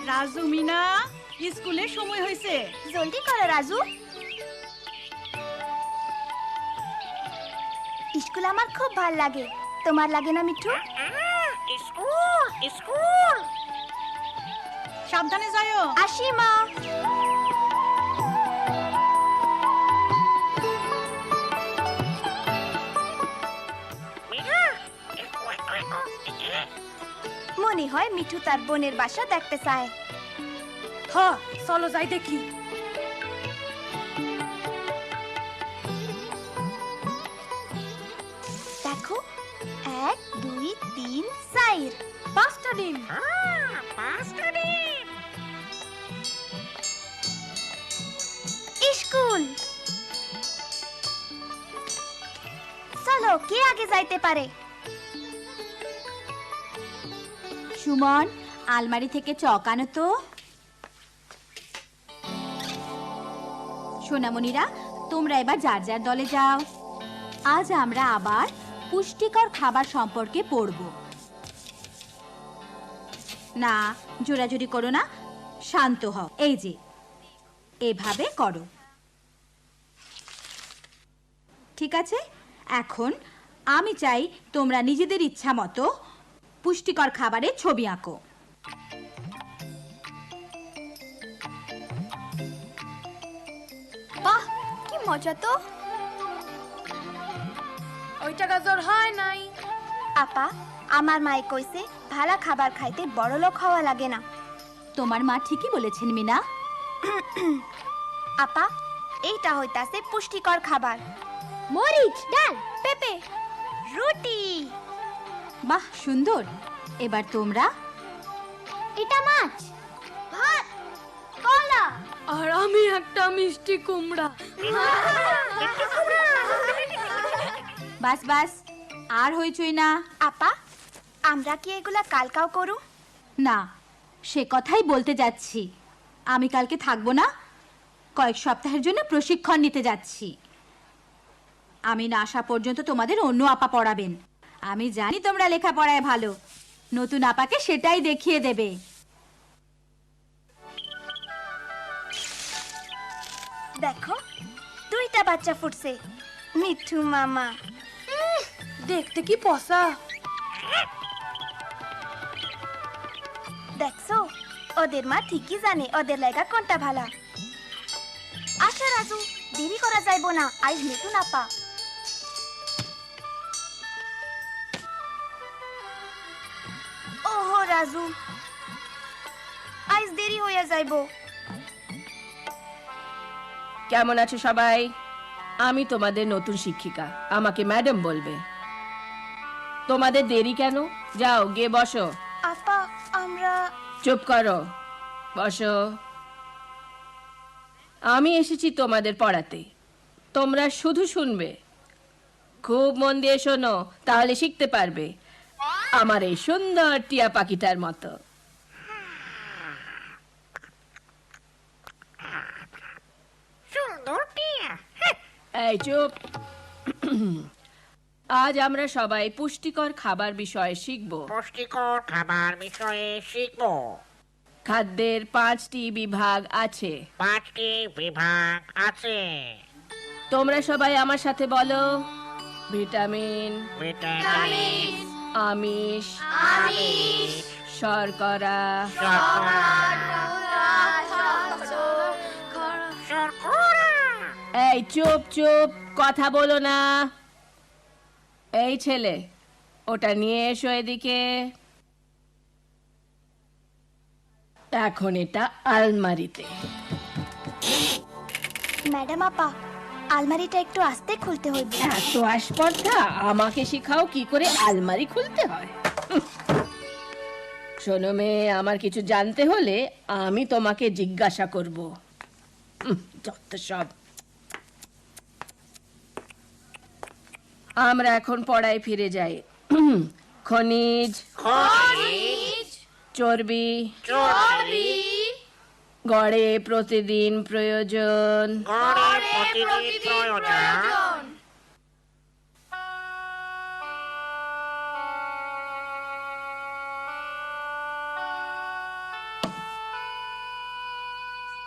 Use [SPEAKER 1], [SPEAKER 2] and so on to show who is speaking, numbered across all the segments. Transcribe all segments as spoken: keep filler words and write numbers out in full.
[SPEAKER 1] রাজু মিনা স্কুলে সময় হয়েছে,
[SPEAKER 2] জলদি করো রাজু। স্কুল আমার খুব ভাল লাগে, তোমার লাগে না মিঠু?
[SPEAKER 3] স্কুল স্কুল
[SPEAKER 1] সাবধানে যাও।
[SPEAKER 2] আসি মা। মনে হয় মিঠু তার বোনের বাসা দেখতে চায়।
[SPEAKER 1] হ, চলো যাই দেখি।
[SPEAKER 2] দেখো, এক দুই তিন চার,
[SPEAKER 1] পাঁচটা ডিম।
[SPEAKER 3] পাঁচটা ডিম।
[SPEAKER 2] স্কুল। চলো, কে আগে যাইতে পারে?
[SPEAKER 4] সুমন, আলমারি থেকে চক আনো তো। সোনামণিরা, তোমরা এবার যার যার দলে যাও। আজ আমরা আবার পুষ্টিকর খাবার সম্পর্কে পড়ব। না, জোরাজুরি করো না, শান্ত হও। এই যে এভাবে করো, ঠিক আছে? এখন আমি চাই তোমরা নিজেদের ইচ্ছা মতো পুষ্টিকর খাবারের ছবি আঁকো।
[SPEAKER 2] বাহ, কি মজা তো।
[SPEAKER 1] ওইটা গাজর হয় নাই।
[SPEAKER 2] আপা, আমার মায়ে কইছে ভালো খাবার খাইতে বড় লোক হওয়া লাগে না।
[SPEAKER 4] তোমার মা ঠিকই বলেছেন মিনা।
[SPEAKER 2] আপা, এইটা হইতাছে পুষ্টিকর খাবার। মরিচ, ডাল, পেঁপে, রুটি।
[SPEAKER 4] বাহ, সুন্দর। এবার তোমরা।
[SPEAKER 2] এটা মাছ, ভাত, কলা।
[SPEAKER 1] আর আমি একটা মিষ্টি কুমড়া।
[SPEAKER 4] বাস বাস, আর হইচই না।
[SPEAKER 2] আপা, আমরা কি এগুলা কালকাও করু?
[SPEAKER 4] না, সে কথাই বলতে যাচ্ছি। আমি কালকে থাকবো না, কয়েক সপ্তাহের জন্য প্রশিক্ষণ নিতে যাচ্ছি। আমি না আসা পর্যন্ত তোমাদের অন্য আপা পড়াবেন। আমি জানি তোমরা লেখাপড়ায় ভালো, নতুন আপাকে সেটাই দেখিয়ে দেবে।
[SPEAKER 2] দেখো, দুইটা বাচ্চা ফুটছে। মিঠু মামা।
[SPEAKER 1] দেখতে কি পসা।
[SPEAKER 2] দেখছো, ওদের মা ঠিকই জানে ওদের লাগা কোনটা ভালো। আচ্ছা রাজু, দেরি করা যাইব না, আজ নতুন আপা। ওহো রাজু, আজ দেরি হইয়া যাইব।
[SPEAKER 5] কেমন আছো সবাই? আমি তোমাদের নতুন শিক্ষিকা, আমাকে ম্যাডাম বলবে। তোমাদের দেরি কেন? যাও গিয়ে বসো।
[SPEAKER 2] আপা, আমরা।
[SPEAKER 5] চুপ করো, বসো। আমি এসেছি তোমাদের পড়াতে, তোমরা শুধু শুনবে। খুব মন দিয়ে শোনো, তাহলে শিখতে পারবে, আমার এই সুন্দর টিয়া পাখিটার মতো।
[SPEAKER 3] সুন্দর টিয়া।
[SPEAKER 5] এই চুপ। আজ আমরা সবাই পুষ্টিকর খাবার বিষয়ে শিখব।
[SPEAKER 3] পুষ্টিকর খাবার বিষয়ে শিখবো।
[SPEAKER 5] খাদ্যের পাঁচটি বিভাগ আছে।
[SPEAKER 3] পাঁচটি বিভাগ আছে।
[SPEAKER 5] তোমরা সবাই আমার সাথে বলো। ভিটামিন,
[SPEAKER 3] ভিটামিন,
[SPEAKER 5] আমিষ, শর্করা,
[SPEAKER 3] শর্করা।
[SPEAKER 5] এই চুপ চুপ, কথা বলো না। এই ছেলে, ওটা নিয়ে এসো এদিকে। এখন এটা আলমারিতে।
[SPEAKER 2] ম্যাডাম আপা, আলমারিটা একটু আস্তে খুলতে হইবে।
[SPEAKER 5] এত আসপর্ধা, আমাকে শিখাও কি করে আলমারি খুলতে হয়। শোনো মেয়ে, আমার কিছু জানতে হলে আমি তোমাকে জিজ্ঞাসা করব। উম, যত সব। আমরা এখন পড়ায় ফিরে যাই। খনিজ, চর্বি, গড়ে প্রতিদিন প্রয়োজন।
[SPEAKER 3] গড়ে প্রতিদিন প্রয়োজন।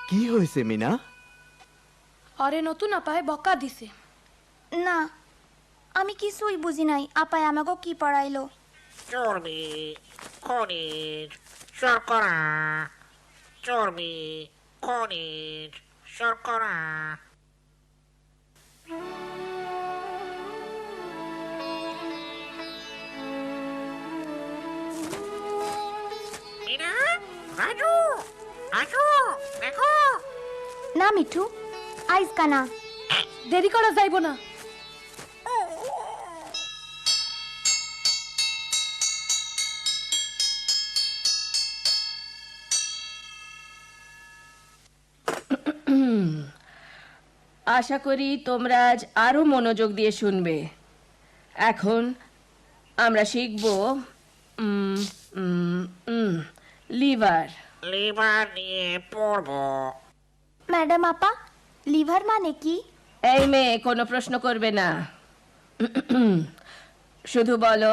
[SPEAKER 6] কি হয়েছে মিনা?
[SPEAKER 1] অরে নতুন আপায় বকা দিছে।
[SPEAKER 2] না, আমি কিছুই বুঝি নাই আপায় আমাকে কি পড়াইলো।
[SPEAKER 3] চর্বি, খনিজ, শর্করা, চর্বি, খনিজ, শর্করা। মিনা, রাজু, রাজু, দেখো।
[SPEAKER 2] না মিঠু, আইজ কানা।
[SPEAKER 1] দেরি করা যাইব না।
[SPEAKER 5] আশা করি তোমরা আজ আরো মনোযোগ দিয়ে শুনবে। এখন আমরা শিখব উম, উম, উম, লিভার।
[SPEAKER 3] লিভার নিয়ে পড়বো।
[SPEAKER 2] ম্যাডাম আপা, লিভার মানে কি?
[SPEAKER 5] এই মেয়ে কোনো প্রশ্ন করবে না, শুধু বলো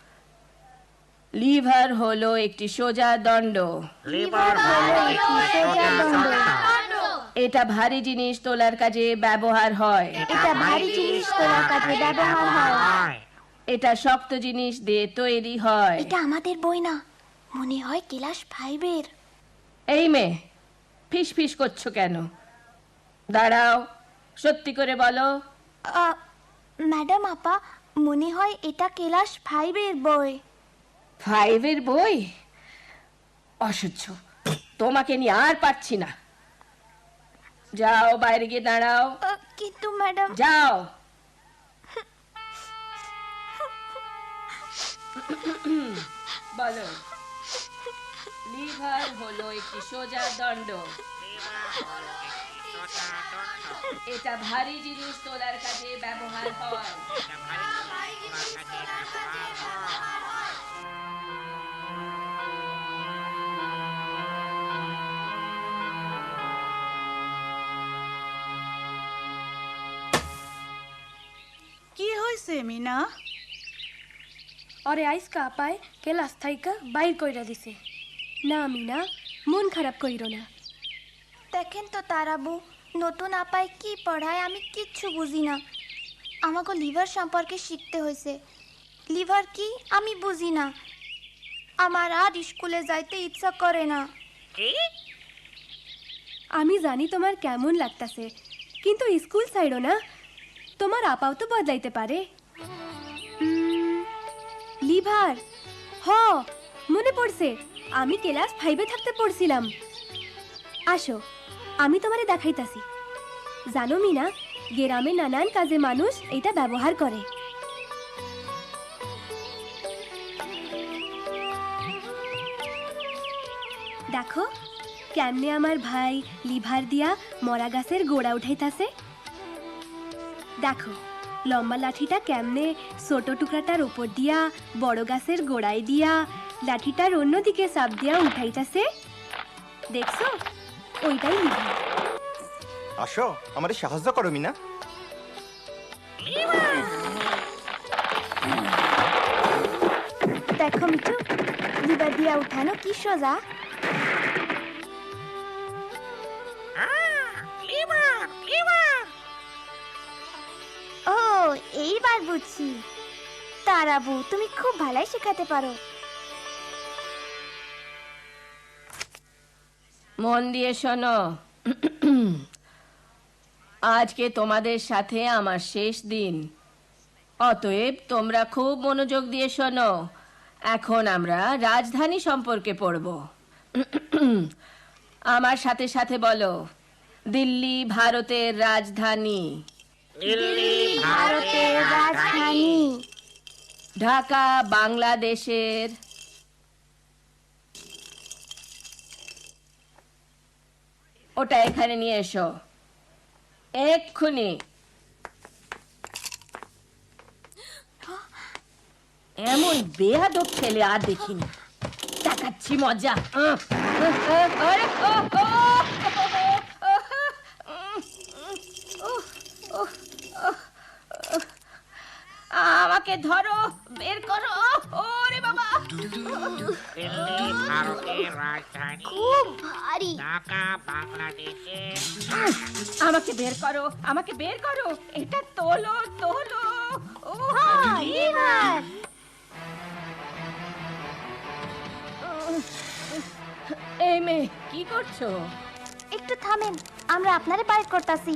[SPEAKER 5] লিভার হলো একটি সোজা দণ্ড।
[SPEAKER 3] লিভার হলো একটি সোজা দণ্ড।
[SPEAKER 5] এটা ভারী জিনিস তোলার কাজে ব্যবহার হয়।
[SPEAKER 2] এটা ভারী জিনিস তোলার কাজে ব্যবহার হয়।
[SPEAKER 5] এটা শক্ত জিনিস দিয়ে তৈরি হয়।
[SPEAKER 2] এটা আমাদের বই না, মনে হয় ক্লাস ফাইভের।
[SPEAKER 5] এই মেয়ে ফিস ফিস করছো কেন? দাঁড়াও, সত্যি করে বলো।
[SPEAKER 2] ম্যাডাম আপা, মনে হয় এটা ক্লাস ফাইভের বই।
[SPEAKER 5] ফাইভের বই? অসহ্য, তোমাকে নিয়ে আর পারছি না। যাও বাইরে গিয়ে দাঁড়াও।
[SPEAKER 2] আহ, কিন্তু ম্যাডাম,
[SPEAKER 5] যাও। বলো, লিভার হলো একটি সোজা দণ্ড। এটা ভারী জিনিস তোলার কাজে ব্যবহার হয়।
[SPEAKER 7] কি হয়েছে মিনা?
[SPEAKER 1] অরে আইসকা আপায় ক্লাস থাইকা বাইর কইরা দিছে। না মিনা, মন খারাপ কইরো না।
[SPEAKER 2] দেখেন তো তারাবু, নতুন আপায় কি পড়ায় আমি কিচ্ছু বুঝি না। আমাকে লিভার সম্পর্কে শিখতে হয়েছে। লিভার কি আমি বুঝি না। আমার আর স্কুলে যাইতে ইচ্ছা করে না।
[SPEAKER 3] কি?
[SPEAKER 1] আমি জানি তোমার কেমন লাগতাছে, কিন্তু স্কুল ছাইড়ো না। তোমার আপাও তো বদলাইতে পারে। উম, লিভার, হ মনে পড়ছে, আমি ক্লাস ফাইভে থাকতে পড়ছিলাম। আসো, আমি তোমারে দেখাইতাছি। জানো মিনা, গ্রামে নানান কাজে মানুষ এটা ব্যবহার করে। দেখো কেমনে আমার ভাই লিভার দিয়া মরা গাছের গোড়া উঠাইতাছে। দেখো লম্বা লাঠিটা কেমনে ছোট টুকরাটার উপর দিয়া বড় গাছের গোড়ায় দিয়া লাঠিটার অন্যদিকে চাপ দিয়া উঠাইতাছে। দেখছো, ওইটাই লিভার।
[SPEAKER 6] আসো, আমাদের সাহায্য করো মিনা।
[SPEAKER 2] দেখো মিঠু, লিভার দিয়া উঠানো কি সোজা।
[SPEAKER 3] Liver, liver.
[SPEAKER 2] ও, এইবার বুঝছি। তারাবু, তুমি খুব ভালোই শেখাতে পারো।
[SPEAKER 5] মন দিয়ে শোনো, আজকে তোমাদের সাথে আমার শেষ দিন। অতএব তোমরা খুব মনোযোগ দিয়ে শোনো। এখন আমরা রাজধানী সম্পর্কে পড়ব। আমার সাথে সাথে বলো, দিল্লি ভারতের রাজধানী।
[SPEAKER 3] দিল্লি
[SPEAKER 2] ভারতের রাজধানী।
[SPEAKER 5] ঢাকা বাংলাদেশের। ওটা এখানে নিয়ে এসো এক্ষুনি। এমন বেয়াদব ছেলে আর দেখিনি। দেখাচ্ছি মজা। আহ, আহ, আহ, আরে, ও, ও, আমাকে ধরো, বের করো। ওরে বাবা,
[SPEAKER 3] দিল্লি ভারতের রাজধানী,
[SPEAKER 2] খুব ভারী।
[SPEAKER 3] ঢাকা বাংলাদেশে।
[SPEAKER 5] আমাকে বের করো, আমাকে বের করো, এটা তোলো তোলো। ও
[SPEAKER 2] লিভার।
[SPEAKER 5] এই মেয়ে কি করছো?
[SPEAKER 2] একটু থামেন, আমরা আপনারে বাইর করতাছি।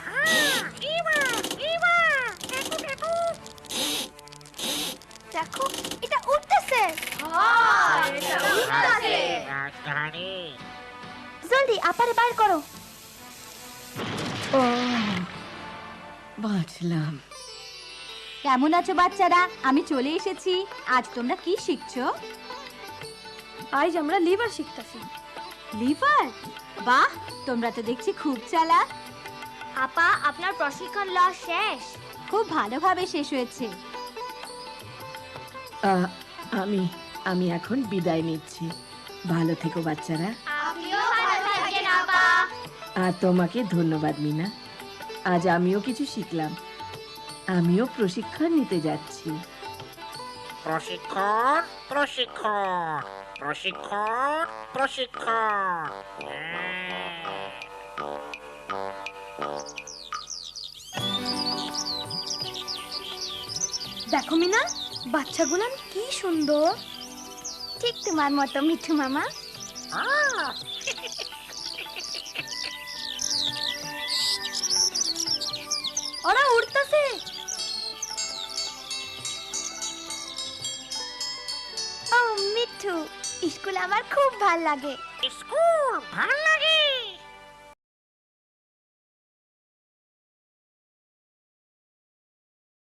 [SPEAKER 2] দেখো, এটা উঠতেছে।
[SPEAKER 3] ভারতের রাজধানী।
[SPEAKER 2] জলদি আপারে বাইর করো।
[SPEAKER 5] ও বাঁচলাম।
[SPEAKER 4] কেমন আছো বাচ্চারা? আমি চলে এসেছি। আজ তোমরা কি শিখছো?
[SPEAKER 1] আজ আমরা লিভার শিখতাছি।
[SPEAKER 4] লিভার? বাহ, তোমরা তো দেখছি খুব চালাক।
[SPEAKER 2] আপা, আপনার প্রশিক্ষণ লওয়া শেষ।
[SPEAKER 4] খুব ভালোভাবে শেষ হয়েছে।
[SPEAKER 5] আহ, আমি আমি এখন বিদায় নিচ্ছি। ভালো থেকো বাচ্চারা।
[SPEAKER 2] আপনিও ভালো থাকেন আপা।
[SPEAKER 5] আর তোমাকে ধন্যবাদ মিনা। আজ আমিও কিছু শিখলাম। আমিও প্রশিক্ষণ নিতে যাচ্ছি।
[SPEAKER 3] প্রশিক্ষণ প্রশিক্ষণ প্রশিক্ষণ প্রশিক্ষণ। হ্যাঁ।
[SPEAKER 1] দেখো মিনা, বাচ্চাগুলান কি সুন্দর।
[SPEAKER 2] ঠিক তোমার মতো মিঠু মামা।
[SPEAKER 3] আহ!
[SPEAKER 1] ওরা উড়তাছে।
[SPEAKER 2] ও মিঠু, স্কুল আমার খুব ভাল লাগে।
[SPEAKER 3] স্কুল